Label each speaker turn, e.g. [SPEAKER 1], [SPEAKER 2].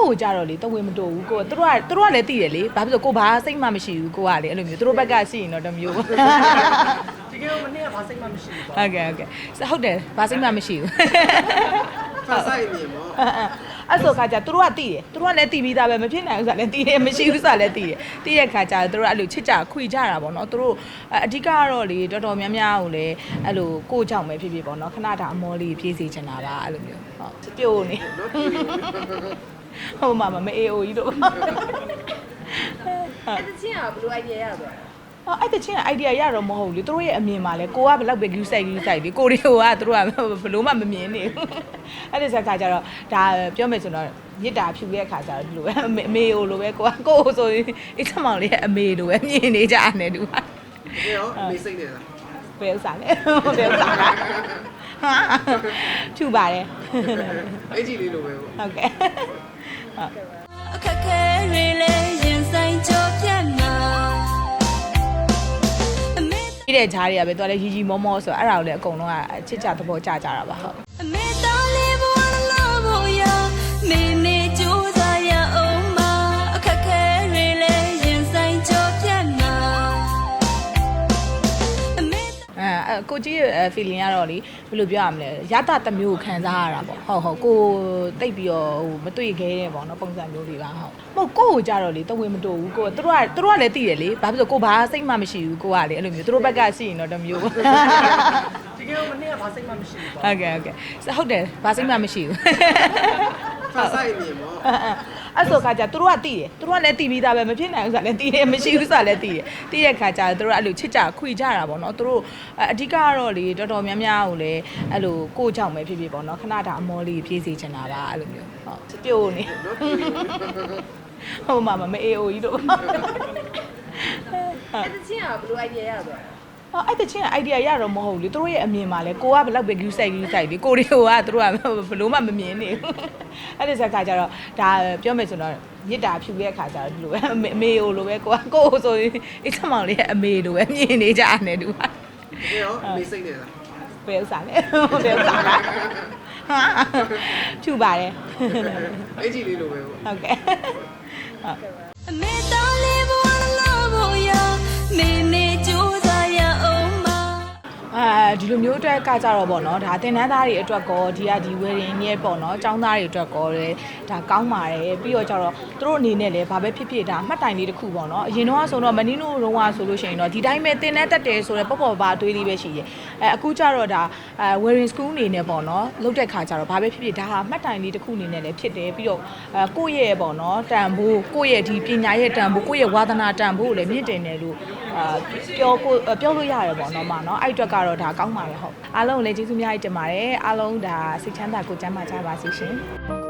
[SPEAKER 1] ကိုကြတော့လေတဝင်းမတူဘူးကိုသူတို့ကလည်းတည်တယ်လေဘာဖြစ်လို့ကိုဘာစိတ်မှမရှိဘူးကိုကလေအဲ့လိုမျိုးသူတို့ဘက်ကရှိရင်တော့တမျိုး
[SPEAKER 2] ဒီကနေ့မနေ့ကဘာစိတ်မှမရှိဘူးပေါ့
[SPEAKER 1] ဟုတ်တယ်ဘာစိတ်မှမရှိဘူး
[SPEAKER 2] ဖတ်ဆိုင်နေပေါ့
[SPEAKER 1] အဲ့ဆိုခါကျသူတို့ကတည်တယ်သူတို့ကလည်းတည်ပြီးသားပဲမဖြစ်နိုင်ဘူးဆိုတာလည်းတည်တယ်မရှိဘူးဆိုတာလည်းတည်တယ်တည်တဲ့ခါကျသူတို့အဲ့လိုချစ်ကြခွေကြတာပေါ့နော်သူတို့အဓိကကတော့လေတော်တော်များများကိုလည်းအဲ့လိုကိုကြောင့်ပဲဖြစ်ဖြစ်ပေါ့နော်ခဏတာအမောလေးပြေးစီချင်တာပါအဲ့လိုမျိုးဟုတ်ပြို့နေဟုတ်မှာမအေးအိုကြီးတို့
[SPEAKER 3] အဲ့တချင်းကဘယ်လို idea ရသွား
[SPEAKER 1] အဲ့တချင်း idea ရတော့မဟုတ်လေသူတို့ရဲ့အမြင်မှာလဲကိုကဘယ်လောက်ပဲ view site လေကိုတွေကသူတို့ကဘယ်လို့မှမမြင်နေဘူးအဲ့ဒီစကားကြတော့ဒါပြောမယ်ဆိုတော့မြစ်တာဖြူရဲ့ခါကျတော့ဒီလိုပဲအမေလိုပဲကိုဆိုရင်အိတ်ချမောင်လေးရဲ့အမေလိုပဲမြင်နေကြတယ်သူက
[SPEAKER 2] ဒီရောအမေစိတ်နေလား
[SPEAKER 1] ဘယ်ဥစားလဲဘယ်ဥစားလားဖြူပါတယ်
[SPEAKER 2] အဲ့ကြီးလေးလိုပဲပေါ့
[SPEAKER 1] ဟုတ်ကဲ့
[SPEAKER 4] အခက်ခဲတွေလည်းရင်ဆိုင်ကြောပြတ်မှာ
[SPEAKER 1] ဒီတဲ့ဂျားတွေကပဲသူကလည်းရီရီမောမောဆိုအဲ့ဒါကိုလည်းအကုန်လုံးကချစ်ကြသဘောကျကြတာပါဟုတ်
[SPEAKER 4] အမေတော်လေးဘဝလုံးဖို့ရမေမေကြိုးစားရအောင်မအခက်ခဲတွေလည်းရင်ဆိုင်ကြောပြတ်မှာ
[SPEAKER 1] ကိုကြီးရဲ့ feeling ကတော့လေဘယ်လိုပြောရမလဲရတတမျိုးကိုခံစားရတာပေါ့ဟုတ်ကိုတိတ်ပြီးတော့ဟိုမတွေ့ခဲတဲ့ပေါ့နော်ပုံစံမျိုးတွေပါဟုတ်ကိုကြတော့လေတဝင်းမတူဘူးကိုသူတို့ကလည်းတည်တယ်လေဘာဖြစ်လို့ကိုဘာစိတ်မှမရှိဘူးကိုကလေအဲ့လိုမျိုးသူတို့ဘက်ကရှိရင်တော့တမျိုး
[SPEAKER 2] ဒီကနေ့မနေ့ကဘာစိတ်မှမရှိဘူးပေါ့
[SPEAKER 1] ဟုတ်တယ်ဘာစိတ်မှမရှိဘူး
[SPEAKER 2] ဖတ်ဆိုင်နေပေါ့
[SPEAKER 1] အဲ့ဆိုခါကျသူတို့ကတည်တယ်သူတို့ကလည်းတည်ပြီးသားပဲမဖြစ်နိုင်ဘူးဆိုတာလည်းတည်တယ်မရှိဘူးဆိုတာလည်းတည်တယ်တည်တဲ့ခါကျသူတို့အဲ့လိုချစ်ကြခွေကြတာပေါ့နော်သူတို့အဓိကကတော့လေတော်တော်များများကိုလည်းအဲ့လိုကိုကြောင့်ပဲဖြစ်ဖြစ်ပေါ့နော်ခဏတာအမောလေးပြေးစီချင်တာပါအဲ့လိုမျိုးဟုတ်ပြို့နေဟုတ်မှာမအေးအိုကြီးတို့
[SPEAKER 3] အဲ့တချင်းကဘယ်လို idea ရသွား
[SPEAKER 1] အဲ့တချင်း idea ရတော့မဟုတ်လေသူတို့ရဲ့အမြင်မှာလဲကိုကဘယ်လောက်ပဲ view site လေကိုတွေကသူတို့ကဘယ်လို့မှမမြင်နေဘူးအဲ့ဒီစကားကြတော့ဒါပြောမယ်ဆိုတော့မြစ်တာဖြူရဲ့ခါကျတော့ဒီလိုပဲအမေလိုပဲကိုဆိုရင်အိတ်ချမောင်လေးရဲ့အမေလိုပဲမြင်နေကြတယ်သူက
[SPEAKER 2] ဒီရောအမေစိတ်နေလား
[SPEAKER 1] ဘယ်ဥစားလဲဘယ်ဥစားလားဖြူပါတယ်
[SPEAKER 2] အဲ့ကြီးလေးလိုပဲပေါ့
[SPEAKER 1] ဟုတ်ကဲ့
[SPEAKER 4] အမေတော်လေးဘဝလုံးဖို့ရမေမေကြိုးစားရအောင်မ
[SPEAKER 1] ဒီလိုမျိုးအတွက်ကကြတော့ပေါ့နော်ဒါသင်တန်းသားတွေအတွက်ကောဒီဝယ်ရင်ရဲ့ပေါ့နော်ចောင်းသားတွေအတွက်ကောလေဒါကောင်းပါတယ်ပြီးတော့ကြတော့သူတို့အနေနဲ့လည်းဘာပဲဖြစ်ဖြစ်ဒါအမှတ်တိုင်လေးတစ်ခုပေါ့နော်အရင်တော့ဆိုတော့မနီနိုတော့ဆိုလို့ရှိရင်တော့ဒီတိုင်းပဲသင်တန်းတက်တယ်ဆိုတော့ပေါ့ပါတွေးလေးပဲရှိတယ်အခုကြတော့ဒါwearing school အနေနဲ့ပေါ့နော်လုတ်တဲ့ခါကြတော့ဘာပဲဖြစ်ဖြစ်ဒါဟာအမှတ်တိုင်လေးတစ်ခုအနေနဲ့လည်းဖြစ်တယ်ပြီးတော့ကိုယ့်ရဲ့ပေါ့နော်တန်ဖိုးကိုယ့်ရဲ့ဒီပညာရဲ့တန်ဖိုးကိုယ့်ရဲ့ဝါသနာတန်ဖိုးကိုလည်းမြင့်တင်တယ်လို့ပြောလို့ရတယ်ပေါ့နော်မနော်အဲ့အတွက်ကတော့ဒါကောင်းပါတယ်ဟုတ်အားလုံးကိုလည်းကျေးဇူးများကြီးတင်ပါတယ်အားလုံးဒါစိတ်ချမ်းသာကိုယ်ကျန်းမာကြပါစေရှင်